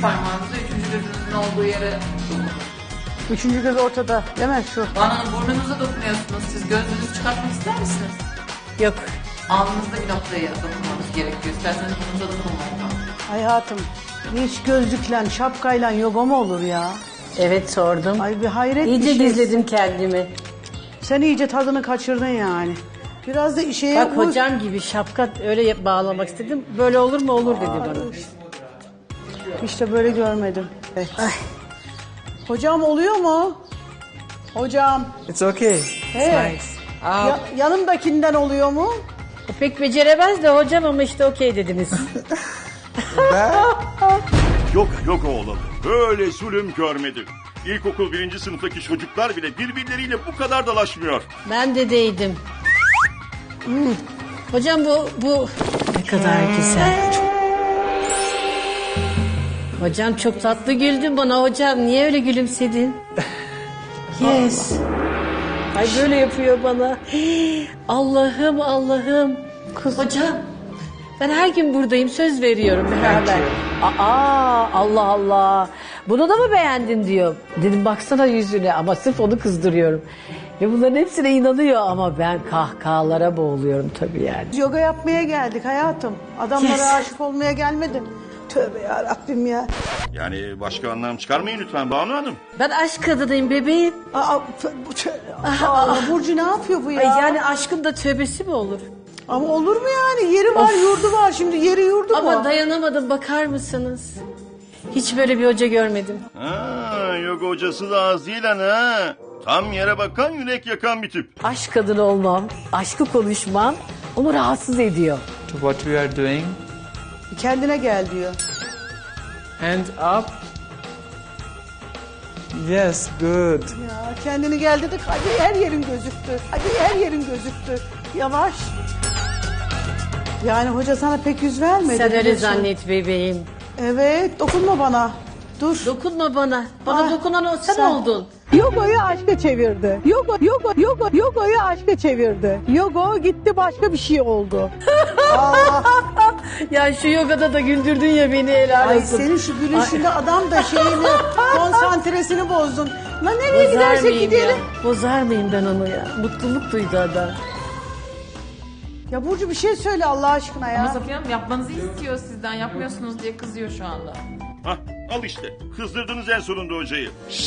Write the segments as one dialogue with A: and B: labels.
A: parmağınızı üçüncü gözünüzün olduğu yere dokunun.
B: Üçüncü göz ortada değil mi şu?
A: Bana burnunuza dokunuyorsunuz. Siz gözünüzü çıkartmak ister misiniz?
B: Yok.
A: Alnınızda bir noktaya dokunmanız gerekiyor. İsterseniz burnunuza dokunmayın.
B: Hayatım hiç gözlükle şapkayla yoga mı olur ya?
C: Evet sordum.
B: Ay bir hayret
C: İyice
B: bir şey.
C: gizledim kendimi.
B: Sen iyice tadını kaçırdın yani. Biraz da işe
C: Bak hocam gibi şapka öyle bağlamak istedim. Böyle olur mu olur dedi bana.
B: İşte böyle görmedim. Ay. Hocam oluyor mu? Hocam.
D: It's okay.
B: He. Yanımdakinden oluyor mu?
C: Pek beceremez de hocam ama işte okey dediniz.
E: Yoga olalı. Böyle zulüm görmedim. İlkokul 1. sınıftaki çocuklar bile birbirleriyle bu kadar dalaşmıyor.
C: Ben de değdim. Hocam bu ne kadar güzel. Hocam çok tatlı güldün bana hocam. Niye öyle gülümsedin? Yes. Ay böyle yapıyor bana. Allah'ım Allah'ım. Hocam ben her gün buradayım söz veriyorum beraber. Aa Allah Allah. Bunu da mı beğendin diyor. Dedim baksana yüzüne ama sırf onu kızdırıyorum. Ve bunların hepsine inanıyor ama ben kahkahalara boğuluyorum tabii yani.
B: Yoga yapmaya geldik hayatım. Adamlara
C: Yes.
B: aşık olmaya gelmedim. Tövbe yarabbim ya.
E: Yani başka anlam çıkarmayın lütfen Banu Hanım.
C: Ben aşk kadınıyım bebeğim.
B: Burcu ne yapıyor bu ya?
C: Ay yani aşkın da tövbesi mi olur?
B: Ama olur mu yani? Yeri var, yurdu var. Şimdi yeri yurdu
C: Ama
B: mu?
C: dayanamadım bakar mısınız? Hiç böyle bir hoca görmedim.
E: Ha, yoga hocası da az değil ha. Tam yere bakan yürek yakan bir tip.
C: Aşk kadını olmam, aşkı konuşmam onu rahatsız ediyor.
D: To what we are doing.
B: Kendine gel diyor.
D: Hand up. Yes, good.
B: Ya kendini gel dedik. Hadi her yerin gözüktü. Hadi her yerin gözüktü. Yavaş. Yani hoca sana pek yüz vermedi.
C: Sen öyle
B: biliyorsun.
C: zannet bebeğim.
B: Evet, dokunma bana. Dur.
C: Dokunma bana. Bana
B: Ah,
C: dokunan o sen
B: sen-
C: oldun.
B: Yoga'yı aşka çevirdi. Yoga'yı aşka çevirdi. Yoga gitti başka bir şey oldu.
C: Ya şu yogada da güldürdün ya beni helal
B: Ay
C: olsun.
B: senin şu gülüşünde adam da şeyini, konsantresini bozdun. Lan nereye
C: Bozar
B: gidersek
C: mıyım
B: gidelim.
C: ya? Bozar mıyım ben onu ya? Mutluluk duydu adam.
B: Ya Burcu bir şey söyle Allah aşkına
A: Ama
B: ya.
A: Safiye Hanım yapmanızı istiyor sizden. Yapmıyorsunuz diye kızıyor şu anda.
E: Hah, al işte. Kızdırdınız en sonunda hocayı.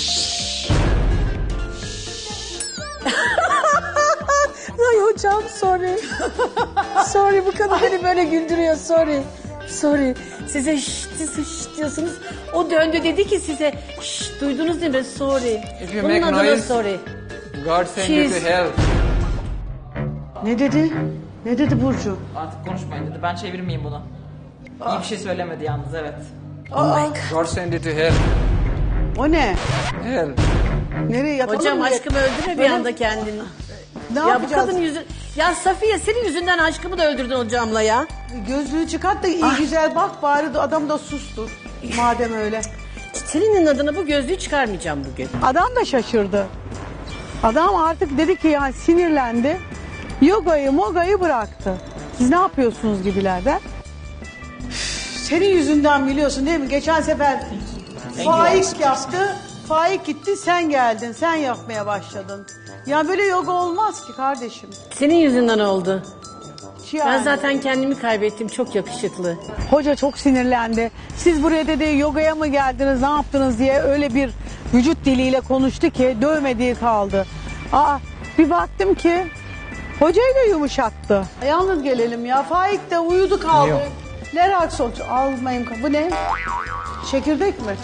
C: Ay hocam sorry. Sorry bu kadın beni böyle güldürüyor sorry. Sorry. Size şşt diyorsunuz. O döndü dedi ki size şşt duydunuz değil mi? Sorry.
D: If you
C: Bunun
D: make
C: adına
D: noise-
C: sorry.
D: God send you to
C: She's-
D: hell.
B: Ne dedi? Ne dedi Burcu?
A: Artık konuşmayın dedi. Ben çevirmeyeyim bunu. İyi bir şey söylemedi yalnız evet.
D: God send you to hell.
B: O ne?
D: Hell.
B: Nereye yatalım
C: Hocam
B: mı?
C: aşkımı öldürme bir
B: Böyle-
C: anda kendini.
B: Ne
C: Ya bu
B: yapacağız?
C: kadın yüzü... Ya Safiye senin yüzünden aşkımı da öldürdün hocamla ya.
B: Gözlüğü çıkart da iyi güzel bak bari de adam da sustur. Madem öyle.
C: Senin adına bu gözlüğü çıkarmayacağım bugün.
B: Adam da şaşırdı. Adam artık dedi ki yani sinirlendi. Mogayı bıraktı. Siz ne yapıyorsunuz gibilerden? Senin yüzünden biliyorsun değil mi? Geçen sefer Faik yaptı. Faik gitti sen geldin. Sen yapmaya başladın. Ya böyle yoga olmaz ki kardeşim.
C: Senin yüzünden oldu.
B: Yani.
C: Ben zaten kendimi kaybettim. Çok yakışıklı.
B: Hoca çok sinirlendi. Siz buraya dedi yogaya mı geldiniz ne yaptınız diye öyle bir vücut diliyle konuştu ki dövmediği kaldı. Bir baktım ki hocayı da yumuşattı. Yalnız gelelim ya. Faik de uyudu kaldı.
D: Yok.
B: Leraxon almayayım. Bu ne? Çekirdek mi?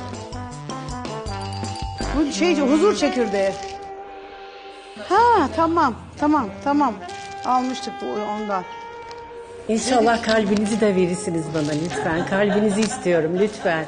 B: Bu huzur çekirdeği. Ha tamam. Almıştık bu ondan.
C: İnşallah kalbinizi de verirsiniz bana lütfen. Kalbinizi istiyorum lütfen.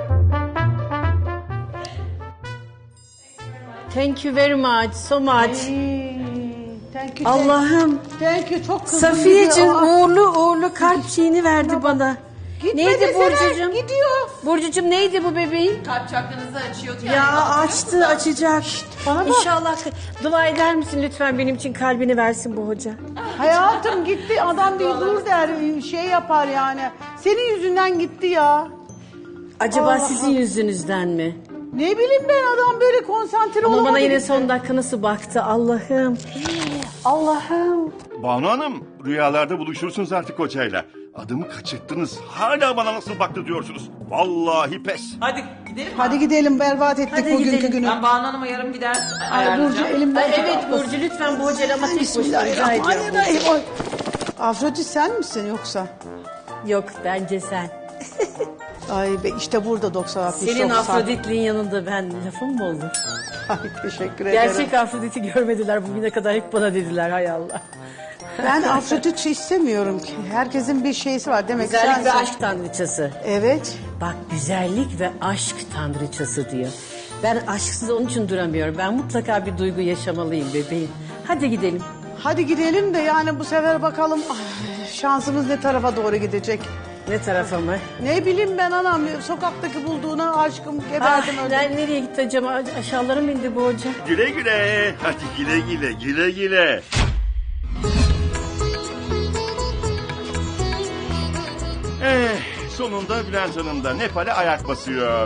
C: Thank you very much, so much.
B: Thank you.
C: Allah'ım.
B: Thank you çok kızdım.
C: Safiyeciğim
B: gidiyor.
C: uğurlu kalp şeyini verdi bana.
B: Gitme
C: Neydi
B: desene,
C: Burcucuğum?
B: gidiyor.
C: Burcucuğum neydi bu bebeğin?
A: Kalp çakranızı açıyor.
C: Ya açtı açacak.
B: bana bak.
C: İnşallah dua eder misin lütfen benim için kalbini versin bu hoca.
B: Hayatım gitti adam değil dur der şey yapar yani. Senin yüzünden gitti ya.
C: Acaba sizin yüzünüzden mi?
B: Ne bileyim ben, adam böyle konsantre
C: Ama
B: olamadı.
C: bana yine son dakika nasıl baktı Allah'ım. Allah'ım.
E: Banu Hanım, rüyalarda buluşursunuz artık hocayla. Adımı kaçırttınız. Hala bana nasıl baktı diyorsunuz. Vallahi pes.
A: Hadi gidelim mi?
B: Hadi gidelim, berbat ettik
C: Hadi
B: bugünkü
C: gidelim.
B: günü.
A: Ben Banu Hanım'a yarım gider
B: Ay Burcu
A: ayarlayacağım.
B: elimden.
C: Ay, evet Burcu lütfen bu hocayla ama tek başına rica ediyorum.
B: Bismillahirrahmanirrahim. Ay. Afrodit sen misin yoksa?
C: Yok bence sen.
B: Ay be, işte burada 90
C: Senin Afrodit'liğin yanında ben lafım mı olur?
B: Ay teşekkür ederim.
C: Gerçek Afrodit'i görmediler bugüne kadar, hep bana dediler hay Allah.
B: Ben Afrodit istemiyorum ki. Herkesin bir şeysi var demek ki.
C: Güzellik ve
B: sensin.
C: aşk tanrıçası.
B: Evet.
C: Bak güzellik ve aşk tanrıçası diyor. Ben aşksız onun için duramıyorum. Ben mutlaka bir duygu yaşamalıyım bebeğim. Hadi gidelim.
B: Hadi gidelim de yani bu sefer bakalım ay, şansımız ne tarafa doğru gidecek.
C: Ne tarafa mı?
B: Ne bileyim ben anam, sokaktaki bulduğuna aşkım
C: Ah,
B: geberdim öldüm.
C: nereye gitti acaba? Aşağılara mı indi bu hoca?
E: Güle güle. Hadi güle güle, güle güle. Sonunda Bülent Hanım da Nepal'e ayak basıyor.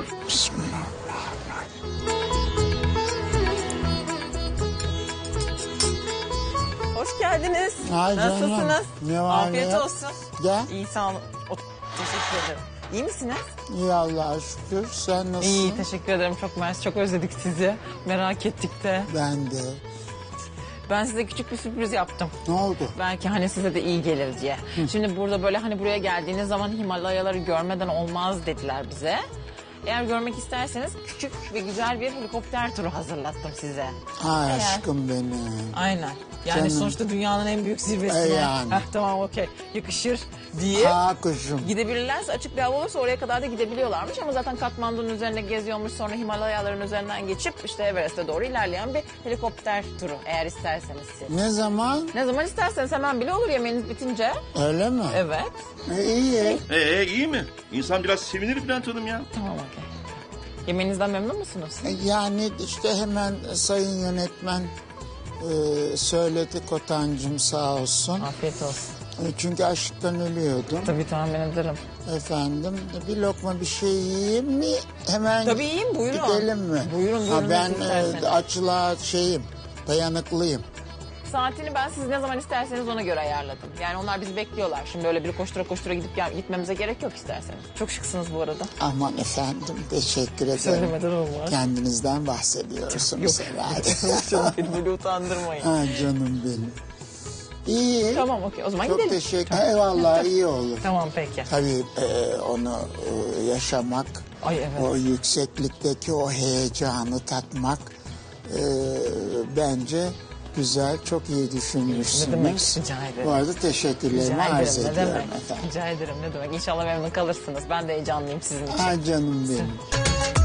F: Hoş geldiniz.
G: Ay canım,
F: Nasılsınız?
G: ne var
F: Afiyet
G: ne yok?
F: olsun.
G: Gel.
F: İyi sağ olun. Teşekkür ederim. İyi misiniz?
G: İyi Allah'a şükür. Sen nasılsın?
F: İyi teşekkür ederim. Çok mersi. Çok özledik sizi. Merak ettik de.
G: Ben de.
F: Ben size küçük bir sürpriz yaptım.
G: Ne oldu?
F: Belki hani size de iyi gelir diye. Şimdi burada böyle hani buraya geldiğiniz zaman Himalayaları görmeden olmaz dediler bize. Eğer görmek isterseniz küçük ve güzel bir helikopter turu hazırlattım size.
G: Ay
F: Eğer-
G: aşkım benim.
F: Aynen. Yani
G: Canım.
F: sonuçta dünyanın en büyük zirvesine.
G: Yani.
F: Heh, tamam okey. Yakışır diye.
G: Ha kuşum.
F: Gidebilirlerse, açık bir hava olursa oraya kadar da gidebiliyorlarmış ama zaten Katmandu'nun üzerine geziyormuş, sonra Himalayaların üzerinden geçip işte Everest'e doğru ilerleyen bir helikopter turu eğer isterseniz siz.
G: Ne zaman?
F: Ne zaman isterseniz hemen bile olur yemeğiniz bitince.
G: Öyle mi?
F: Evet.
G: İyi.
E: İyi mi? İnsan biraz sevinir Bülent Hanım ya.
F: Tamam okey. Yemeğinizden memnun musunuz?
G: Yani işte hemen sayın yönetmen söyledi Kotancığım sağ olsun.
F: Afiyet olsun.
G: Çünkü açlıktan ölüyordum.
F: Tabii tahmin ederim.
G: Efendim bir lokma bir şey yiyeyim mi? Hemen
F: Tabii yiyin, buyurun.
G: gidelim mi?
F: Buyurun,
G: Ha, ben
F: nasıl isterseniz.
G: açlığa dayanıklıyım.
F: Saatini ben siz ne zaman isterseniz ona göre ayarladım. Yani onlar bizi bekliyorlar. Şimdi öyle bir koştura koştura gitmemize gerek yok isterseniz. Çok şıksınız bu arada.
G: Aman efendim teşekkür ederim.
F: Söylemeden olmaz.
G: Kendinizden bahsediyorsunuz herhalde.
F: Canım beni böyle utandırmayın.
G: Ha, canım benim. İyi.
F: Tamam okey o zaman
G: Çok
F: gidelim.
G: teşekkür. Eyvallah iyi olur.
F: Tamam peki.
G: Tabii onu yaşamak,
F: Ay evet.
G: o yükseklikteki o heyecanı tatmak bence güzel, çok iyi düşünmüşsünüz.
F: Ne demek, rica ederim.
G: Bu arada teşekkürlerimi
F: Rica
G: arz
F: ederim ne
G: ediyorum
F: demek.
G: efendim.
F: Rica ederim ne demek. İnşallah memnun kalırsınız. Ben de heyecanlıyım sizin için.
G: Ha canım benim.